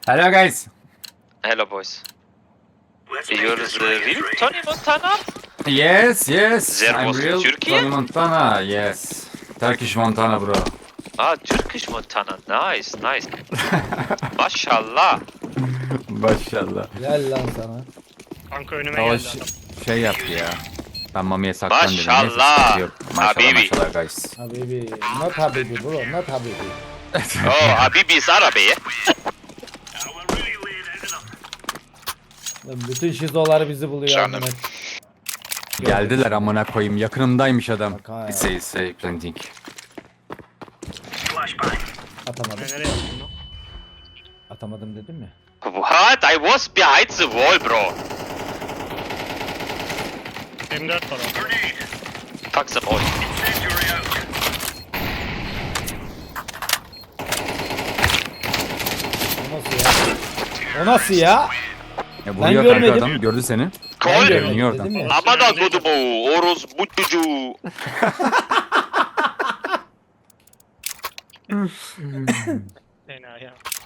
Hello guys. Hello, boys. You're the real Tony Montana? Yes. There I'm was real Turkey? Tony Montana. Yes. Turkish Montana bro. Ah, Turkish Montana. Nice. Maşallah. Maşallah. Gel lan sana. Kanka önüme O geldi adam. şey yaptı ya. Ben Mami'ye saklan dedim. Neyse, Maşallah. sıkıntı yok. Maşallah Habibi. maşallah guys. Habibi. Not habibi bro. Not habibi. Oh, Habibi's Arabi. Lan bütün şizolar bizi buluyor. Canım. amına. Geldiler amına koyayım. Yakınımdaymış adam. Bak ha ya. Say planting. Atamadım. Nereye yaptın lan? Atamadım dedim mi? What? I was behind the wall, bro. M4 var orada. Fuck them all. O nasıl ya? O nasıl ya? Vuruyor kanka görmedim. adam. Gördü seni. Ben Kol. görmedim Dönüyor oradan. dedim ya. Amana kodumu. Orospu çocuğu. Fena ya.